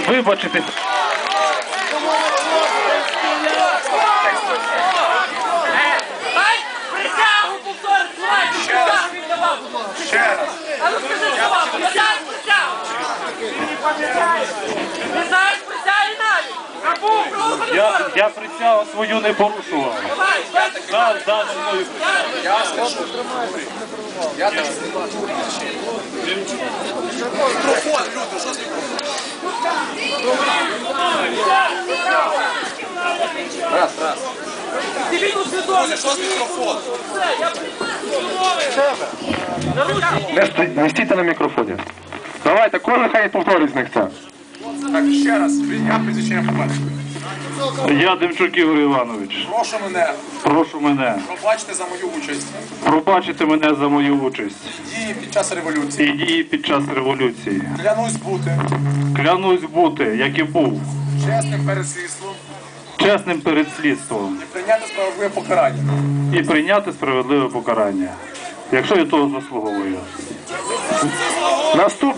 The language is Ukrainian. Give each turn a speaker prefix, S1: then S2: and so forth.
S1: вибачитись.
S2: Присягу повторити, слухайте, присягу він давав.
S3: Ще раз.
S2: А ну скажи слова, пам'ятаєш присягу? Не знаєш присяги навіть? Забув, правду
S1: Я присягу свою не порушував.
S2: Давай,
S1: Да, зі мною.
S3: Я скажу. Я так знімаю. Мікрофон, люди, що з Раз.
S2: Дивіться свідомість.
S3: Що з мікрофоном?
S2: Все, я
S1: Не стійте на мікрофоні. Давайте, кожен хай повторить з них це.
S3: Так, ще раз. Я прізвище побачив.
S1: Я Демчук Ігор Іванович.
S3: Прошу мене.
S1: Пробачте
S3: за мою участь.
S1: Пробачте мене за мою участь.
S3: Дії під час революції.
S1: І дії під час революції.
S3: Клянусь бути
S1: як і був,
S3: чесним перед слідством
S1: чесним перед слідством.
S3: і прийняти справедливе покарання.
S1: І прийняти справедливе покарання, якщо я того заслуговую.